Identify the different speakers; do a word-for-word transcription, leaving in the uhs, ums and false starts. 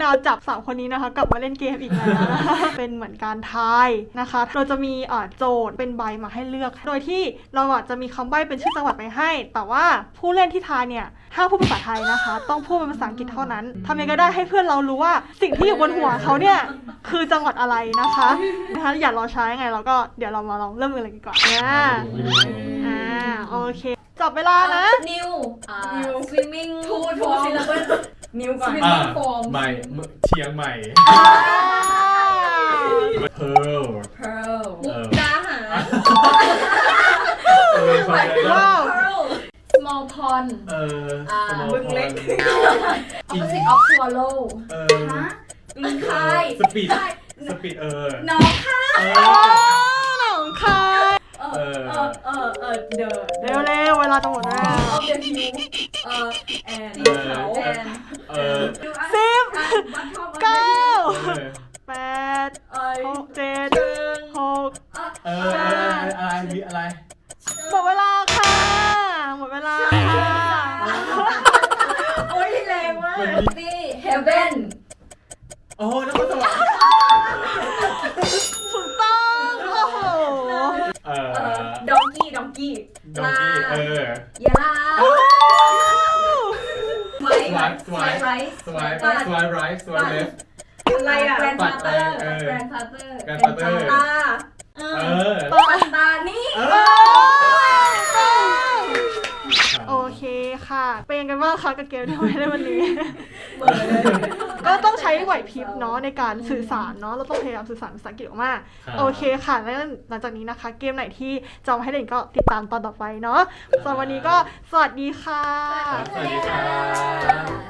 Speaker 1: าวจับสามคนนี้นะคะกลับมาเล่นเกมอีกแล้วนะคะเป็นเหมือนการทายนะคะเราจะมีอ่าโจทย์เป็นใบมาให้เลือกโดยที่เราอ่ะจะมีคำใบ้เป็นชื่อจังหวัดไปให้แต่ว่าผู้เล่นที่ทายเนี่ยห้ามพูดภาษาไทยนะคะต้องพูดเป็นภาษาอังกฤษเท่านั้นทำยังไงก็ได้ให้เพื่อนเรารู้ว่าสิ่งที่อยู่บนหัวเขาเนี่ยคือจังหวัดอะไรนะคะนะคะอย่ารอช้ายังไงเราก็เดี๋ยวเรามาลองเริ่มกันเลยดีกว่าอ่าอ่าโอเคจับเวลานะ
Speaker 2: นิวนิว swimming ทูทูซิลลับเบิลนิวก่อน
Speaker 3: อ่า
Speaker 2: swimming form
Speaker 3: ใหม่เชียงใหม่เพิร์ล
Speaker 2: pearl มุกดาหาร
Speaker 3: เออฟังได้
Speaker 1: ว้าว
Speaker 2: pearl small pond
Speaker 3: เออ
Speaker 2: อ่า
Speaker 3: สมอง
Speaker 2: บึงเล็ก
Speaker 3: พร
Speaker 2: opposite of swallow
Speaker 3: เออ
Speaker 2: ฮะลิงคาย
Speaker 3: สปีดสปีดเออ
Speaker 2: น้องค่ะ
Speaker 3: เอ
Speaker 1: โอ้
Speaker 3: อ
Speaker 1: หนองคาย
Speaker 2: เออเออเออเออเดอะ
Speaker 1: เร็วเร็วเวลาจะหมดแล้ว
Speaker 2: of the hill เออ and
Speaker 3: เออ
Speaker 2: เขา and
Speaker 3: เออ
Speaker 1: สิบเก้า
Speaker 3: เออ
Speaker 1: แปด
Speaker 2: เอ้ย
Speaker 1: หกเจ็ดหก
Speaker 3: เอออะไรมีอะไร
Speaker 1: หมดเวลาค่ะหมดเวลาค่ะ
Speaker 2: โอ้ยแรงมากนี่ heaven
Speaker 3: โอ้แล้วก็สวรรค์
Speaker 1: ถูกต้องโอ้โห
Speaker 3: เออ
Speaker 2: เออ donkey donkey
Speaker 3: ดองกี้เออย
Speaker 2: าไว้ไว้ไร
Speaker 3: สวายสวายไรสวายเลฟ
Speaker 2: อะไรอ่ะ grandfather
Speaker 3: เออ
Speaker 2: grandfather
Speaker 3: grandfather
Speaker 2: ตา
Speaker 3: เออ
Speaker 2: ปัตตานี่
Speaker 3: เอ
Speaker 1: เอ
Speaker 3: อ
Speaker 1: อโอเคค่ะ เป็นยังไงบ้างคะกับเกมที่เราเล่นวันนี้
Speaker 2: เบอร์เลย
Speaker 1: ก็ต้องใช้ไหวพริบเนาะในการสื่อสารเนาะเราต้องพยายามสื่อสารภาษาอังกฤษออกมาโอเคค่ะแล้วหลังจากนี้นะคะ เกมไหนที่จะมาให้เล่นก็ติดตามตอนต่อไปเนาะสำหรับวันนี้ก็สวัสดีค่ะ
Speaker 3: สวัสดีค่ะ